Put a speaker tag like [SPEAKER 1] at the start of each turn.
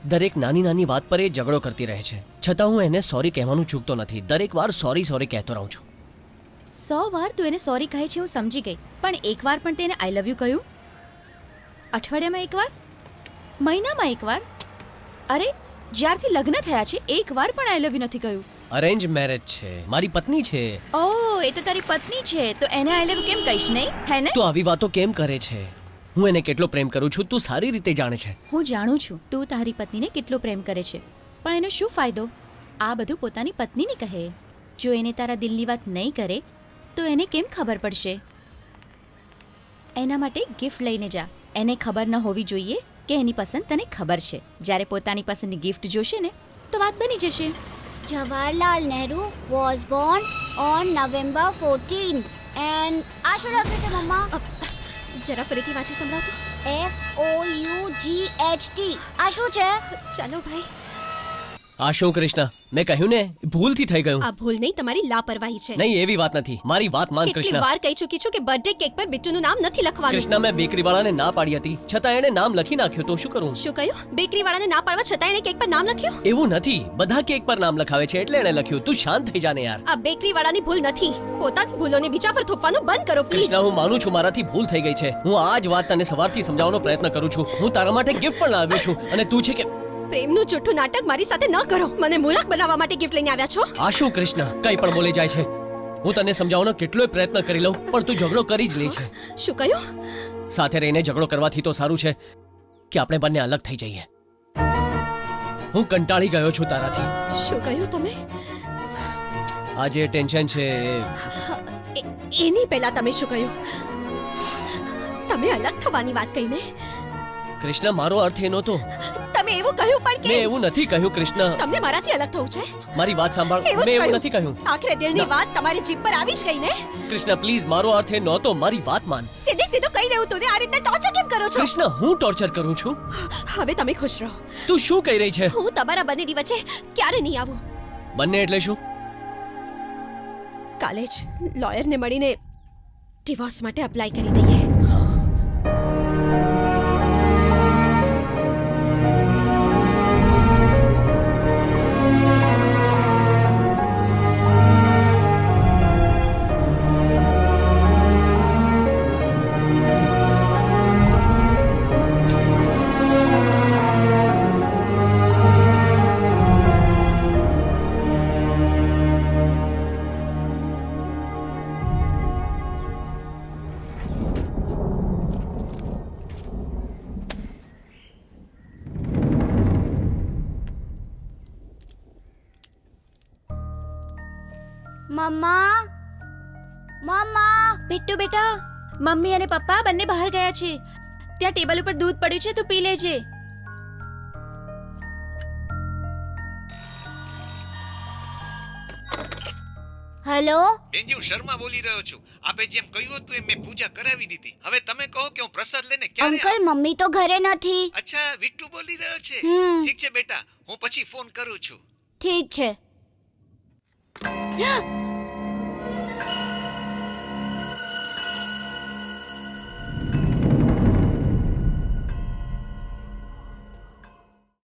[SPEAKER 1] દરેક નાની નાની વાત પર એ ઝઘડો કરતી રહે છે, છતાં હું એને સોરી કહેવાનું ચૂકતો નથી. દરેક વાર સોરી સોરી કહેતો રહું છું.
[SPEAKER 2] 100 વાર તું એને સોરી કહે છે હું સમજી ગઈ, પણ એકવાર પણ તેને આઈ લવ યુ કહ્યું? અઠવાડિયામાં એકવાર? મહિનામાં એકવાર? અરે જ્યારથી લગ્ન થયા છે એકવાર પણ આઈ લવ યુ નથી કહ્યું.
[SPEAKER 1] અરેન્જ મેરેજ છે, મારી પત્ની છે.
[SPEAKER 2] ઓહ, એ તો તારી પત્ની છે, તો એને આઈ લવ યુ કેમ કહીશ નહીં, હે ને?
[SPEAKER 1] તું આવી વાતો કેમ કરે છે? હું એને કેટલો પ્રેમ કરું છું તું સારી રીતે જાણે છે.
[SPEAKER 2] હું જાણું છું તું તારી પત્નીને કેટલો પ્રેમ કરે છે, પણ એનો શું ફાયદો? આ બધું પોતાની પત્નીને કહે. જો એને તારા દિલની વાત નહીં કરે તો એને કેમ ખબર પડશે? એના માટે ગિફ્ટ લઈને જા. એને ખબર ન હોવી જોઈએ કે એની પસંદ તને ખબર છે. જ્યારે પોતાની પસંદની ગિફ્ટ જોશે ને તો વાત બની જશે.
[SPEAKER 3] Jawaharlal Nehru was born on November 14 and આ શું લખ્યું છે મમ્મા?
[SPEAKER 2] જરા ફરીથી વાંચી સંભળાવ તો.
[SPEAKER 3] FOUGHT આ શું છે?
[SPEAKER 2] ચાલો ભાઈ.
[SPEAKER 1] આ શું કૃષ્ણ, મેં કહ્યું ને ભૂલથી થઈ ગયું.
[SPEAKER 4] આ ભૂલ નહીં, તમારી લાપરવાહી છે.
[SPEAKER 1] નહીં એવી વાત નથી, મારી વાત માન
[SPEAKER 4] કેટલી
[SPEAKER 1] કૃષ્ણ.
[SPEAKER 4] વાર કહી ચૂકી છું કે બર્થડે કેક પર બિટ્ટુનું નામ નથી લખવાનું.
[SPEAKER 1] કૃષ્ણ, મેં બેકરી વાળાને ના પાડી હતી, છતાં એણે નામ લખી નાખ્યું, તો શું કરું?
[SPEAKER 4] શું કહ્યું? બેકરી વાળાને ના પાડવા છતાં એણે કેક પર નામ લખ્યું?
[SPEAKER 1] એવું નથી, બધા કેક પર નામ લખાવે છે એટલે એણે લખ્યું. તું શાંત થઈ જા ને યાર.
[SPEAKER 4] આ બેકરી વાળાની ભૂલ નથી. પોતાની ભૂલોને બીજા પર થોપવાનું બંધ કરો પ્લીઝ.
[SPEAKER 1] કૃષ્ણ, હું માનું છું મારાથી ભૂલ થઈ ગઈ છે. હું આ જ વાત તને સવારથી સમજાવવાનો પ્રયત્ન કરું છું. હું તારા માટે ગિફ્ટ પણ લાવ્યો છું અને તું છે કે
[SPEAKER 4] પ્રેમનું જૂઠું નાટક મારી સાથે ન કરો. મને મૂર્ખ બનાવવા માટે ગિફ્ટ લઈને આવ્યા છો.
[SPEAKER 1] આ શું કૃષ્ણ, કઈ પણ બોલી જાય છે. હું તને સમજાવવાનો કેટલોય પ્રયત્ન કરી લઉં પણ તું ઝઘડો કરી જ લે છે.
[SPEAKER 4] શું કહ્યું?
[SPEAKER 1] સાથે રહીને ઝઘડો કરવાથી તો સારું છે કે આપણે બંને અલગ થઈ જઈએ. હું કંટાળી ગયો છું તારાથી.
[SPEAKER 4] શું કહ્યું તમે?
[SPEAKER 1] આ જે ટેન્શન છે
[SPEAKER 4] એની પહેલા તમે શું કહ્યું? તમે અલગ થવાની વાત કહીને
[SPEAKER 1] કૃષ્ણ, મારો અર્થ એ નહોતો.
[SPEAKER 4] તમે એવું કહ્યું પણ
[SPEAKER 1] મેં
[SPEAKER 4] કે
[SPEAKER 1] એવું નથી કહ્યું કૃષ્ણ.
[SPEAKER 4] તમને મારાથી અલગ થવું છે?
[SPEAKER 1] મારી વાત સાંભળ,
[SPEAKER 4] એવું જ
[SPEAKER 1] મેં એવું
[SPEAKER 4] કહ્યું.
[SPEAKER 1] નથી કહ્યું.
[SPEAKER 4] આખરે દિલની વાત તમારી જીભ પર આવી જ ગઈ ને.
[SPEAKER 1] કૃષ્ણ પ્લીઝ, મારો અર્થ એ નહોતો, મારી વાત માન.
[SPEAKER 4] સીધે સીધું કહી દેવું તું ને આ રીતના ટોર્ચર કેમ કરો છો?
[SPEAKER 1] કૃષ્ણ, હું ટોર્ચર કરું છું?
[SPEAKER 4] હવે તમે ખુશ રહો.
[SPEAKER 1] તું શું કહી રહી છે?
[SPEAKER 4] હું તમારા બંનેની વચ્ચે ક્યારે નહીં આવું.
[SPEAKER 1] બંને એટલે શું?
[SPEAKER 4] કાલે જ લોયરને મળીને ડિવોર્સ માટે અપ્લાય કરી દઈએ.
[SPEAKER 3] મમ્મા મમ્મા
[SPEAKER 2] બિટ્ટુ બેટા, મમ્મી અને પપ્પા બંને બહાર ગયા છે. ત્યાં ટેબલ ઉપર દૂધ પડ્યું છે, તું પી લેજે.
[SPEAKER 3] હેલો
[SPEAKER 5] બેનજી, હું શર્મા બોલી રહ્યો છું. આપે જેમ કહ્યું હતું એમ મેં પૂજા કરાવી દીધી. હવે તમે કહો કે હું પ્રસાદ લઈને ક્યારે
[SPEAKER 3] અંકલ
[SPEAKER 5] આવું?
[SPEAKER 3] મમ્મી તો ઘરે નથી.
[SPEAKER 5] અચ્છા, વિટ્ટુ બોલી રહ્યો છે.
[SPEAKER 3] હમ.
[SPEAKER 5] ઠીક છે બેટા, હું પછી ફોન કરું છું.
[SPEAKER 3] ઠીક છે.